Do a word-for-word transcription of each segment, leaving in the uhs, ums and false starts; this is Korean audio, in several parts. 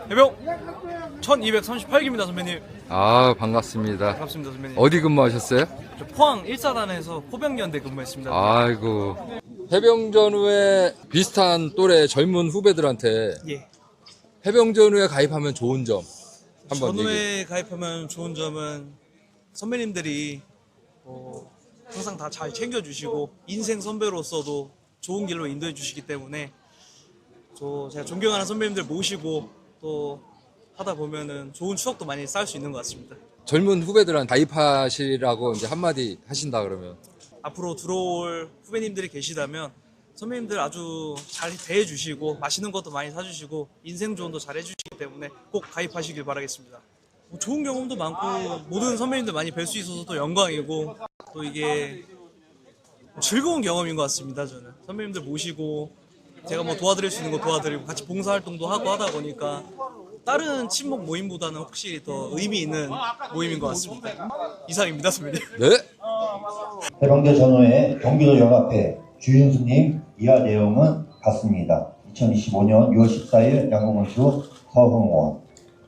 해병 천이백삼십팔 기입니다 선배님. 아, 반갑습니다. 반갑습니다 선배님. 어디 근무하셨어요? 저 포항 일 사단에서 포병연대 근무했습니다. 아이고. 해병전 후에 비슷한 또래 젊은 후배들한테 예. 해병전 후에 가입하면 좋은 점 한번 얘기해. 전후에 가입하면 좋은 점은 선배님들이 어, 항상 다 잘 챙겨주시고 인생 선배로서도 좋은 길로 인도해 주시기 때문에 저 제가 존경하는 선배님들 모시고 또 하다 보면은 좋은 추억도 많이 쌓을 수 있는 것 같습니다. 젊은 후배들한테 가입하시라고 이제 한마디 하신다 그러면. 앞으로 들어올 후배님들이 계시다면 선배님들 아주 잘 대해주시고 맛있는 것도 많이 사주시고 인생 조언도 잘 해주시기 때문에 꼭 가입하시길 바라겠습니다. 뭐 좋은 경험도 많고 모든 선배님들 많이 뵐 수 있어서 또 영광이고 또 이게 즐거운 경험인 것 같습니다. 저는 선배님들 모시고 제가 뭐 도와드릴 수 있는 거 도와드리고 같이 봉사활동도 하고 하다 보니까 다른 친목 모임보다는 확실히 더 의미 있는 모임인 것 같습니다. 이상입니다 선배님. 네? 해병대 전후의 경기도 연합회 주윤수님 이하 내용은 같습니다. 이천이십오 년 유월 십사일 양궁원수 서흥원.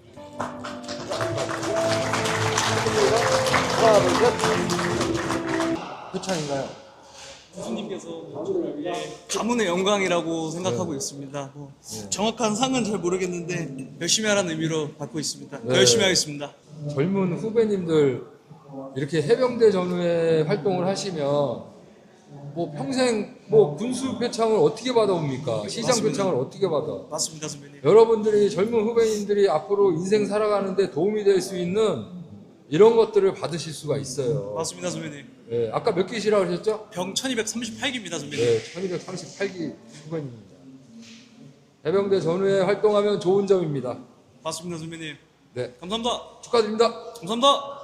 표창인가요? 교수님께서 저를 위해 가문의 영광이라고 생각하고 있습니다. 뭐 정확한 상은 잘 모르겠는데 열심히 하라는 의미로 받고 있습니다. 더 네. 열심히 하겠습니다. 젊은 후배님들 이렇게 해병대 전후에 활동을 하시면 뭐 평생 뭐 군수 표창을 어떻게 받아옵니까? 시장 맞습니다. 표창을 어떻게 받아? 맞습니다 선배님. 여러분들이 젊은 후배님들이 앞으로 인생 살아가는데 도움이 될 수 있는 이런 것들을 받으실 수가 있어요. 맞습니다 선배님. 네, 아까 몇 기시라고 하셨죠? 병 천이백삼십팔 기입니다 선배님. 네, 천이백삼십팔 기 후배님입니다. 해병대 전후에 활동하면 좋은 점입니다. 맞습니다 선배님. 네, 감사합니다. 축하드립니다. 감사합니다.